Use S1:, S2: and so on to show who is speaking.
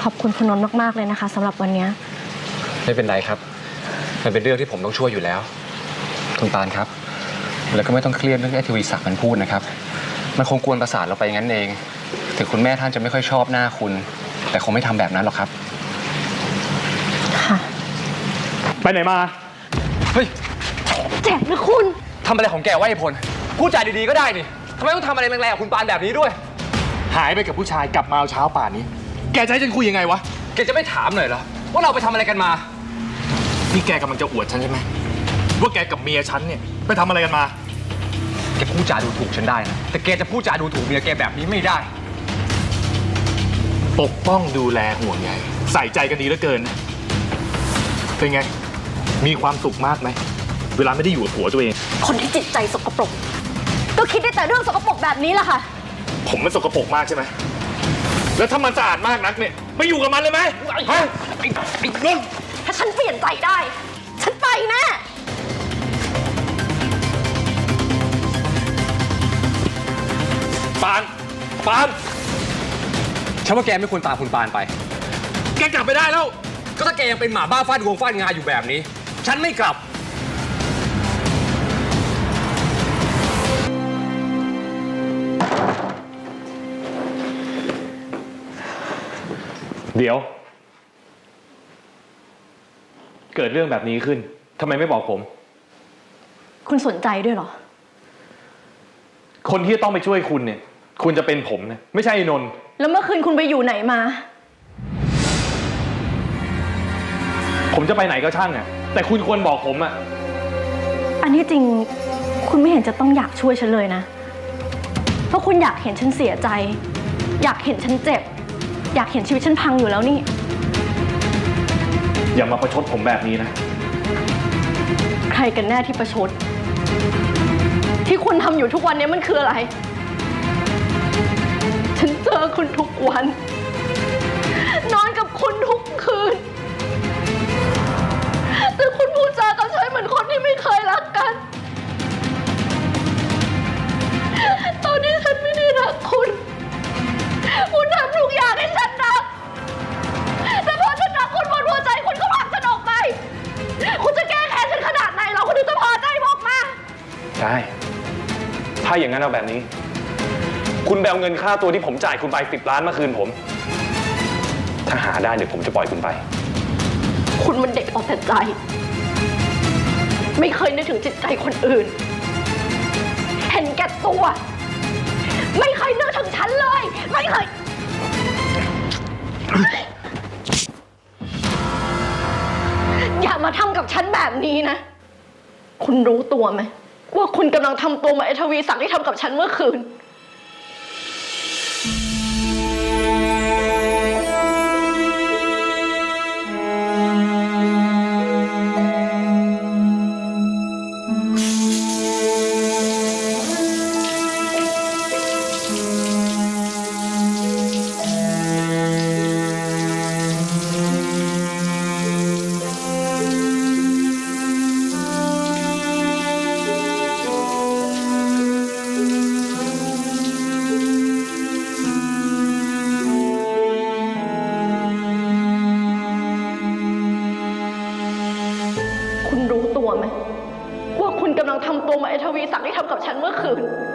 S1: ขอบคุณคุณนนท์มากๆเลยนะคะสำหรับวันนี้
S2: ไม่เป็นไรครับมันเป็นเรื่องที่ผมต้องช่วยอยู่แล้วคุณปานครับแล้วก็ไม่ต้องเครียดเรื่องที่ทวีศักดิ์มันพูดนะครับมันคงกวนประสาทเราไปงั้นเองถึงคุณแม่ท่านจะไม่ค่อยชอบหน้าคุณแต่คงไม่ทำแบบนั้นหรอกครับ
S1: ค่ะ
S3: ไปไหนมา
S2: เฮ้ย
S1: แจ็คนะคุณ
S2: ทำอะไรของแกวะไอ้พลพูดจาดีๆก็ได้นี่ทำไมต้องทำอะไรแรงๆกับคุณปานแบบนี้ด้วย
S3: หายไปกับผู้ชายกลับมาเช้าป่านนี้แกจะให้ฉันคุยยังไงวะ
S2: แกจะไม่ถามหน่อยเหรอว่าเราไปทำอะไรกันมา
S3: นี่แกกำลังจะอวดฉันใช่ไหมว่าแกกับเมียฉันเนี่ยไปทำอะไรกันมา
S2: แกพูดจาดูถูกฉันได้นะแต่แกจะพูดจาดูถูกเมียแกแบบนี้ไม่ได้
S3: ปกป้องดูแลห่วงใยใส่ใจกันดีเหลือเกินเป็นไงมีความสุขมากไหมเวลาไม่ได้อยู่กับผัวตัวเอง
S1: คนที่จิตใจสกปรกก็คิดได้แต่เรื่องสกปรกแบบนี้แหละค่ะ
S3: ผมมันสกปรกมากใช่ไหมแล้วถ้ามันสะอาดมากนักเนี่ยไปอยู่กับมันเลยไหมฮะไอ้นุ่น
S1: ถ้าฉันเปลี่ยนใจได้ฉันไปแน่
S3: ปาน
S2: ฉันว่าแกไม่ควรตามคุณปานไป
S3: แกกลับไปได้แล้ว
S2: ก็ถ้าแกยังเป็นหมาบ้าฟาดงวงฟาดงาอยู่แบบนี้ฉันไม่กลับ
S3: เดี๋ยวเกิดเรื่องแบบนี้ขึ้นทำไมไม่บอกผม
S1: คุณสนใจด้วยเหรอ
S3: คนที่ต้องไปช่วยคุณเนี่ยคุณจะเป็นผมนะไม่ใช่นนท์
S1: แล้วเมื่อคืนคุณไปอยู่ไหนมา
S3: ผมจะไปไหนก็ช่างอ่ะแต่คุณควรบอกผมอ่ะ
S1: อันนี้จริงคุณไม่เห็นจะต้องอยากช่วยฉันเลยนะเพราะคุณอยากเห็นฉันเสียใจอยากเห็นฉันเจ็บอยากเห็นชีวิตฉันพังอยู่แล้วนี่
S3: อย่ามาประชดผมแบบนี้นะ
S1: ใครกันแน่ที่ประชดที่คุณทำอยู่ทุกวันนี้มันคืออะไรฉันเจอคุณทุกวันนอนกับคุณทุกคืนแต่คุณพูดจากับฉันเหมือนคนที่ไม่เคยรักกันตอนนี้ฉันไม่ได้รักคุณทำทุกอย่างให้ฉันรักแต่พอฉันรักคุณหมดหัวใจคุณก็ผลักฉันออกไปคุณจะแก้แค้นฉันขนาดไหนเราคุณถึงจะพอใจบอกมา
S3: ได้ถ้าอย่างนั้นเอาแบบนี้คุณแบลเงินค่าตัวที่ผมจ่ายคุณไป10 ล้านมาคืนผมถ้าหาได้เดี๋ยวผมจะปล่อยคุณไป
S1: คุณมันเด็กเอาแต่ใจไม่เคยนึกถึงจิตใจคนอื่นเห็นแก่ตัวไม่เคยนึกถึงฉันเลยไม่เคยอย่ามาทำกับฉันแบบนี้นะคุณรู้ตัวไหมว่าคุณกำลังทำตัวเหมือนไอ้ทวีศักดิ์ที่ทำกับฉันเมื่อคืนคุณรู้ตัวไหมว่าคุณกำลังทำตัวเหมือนไอ้ทวีศักดิ์ที่ทำกับฉันเมื่อคืน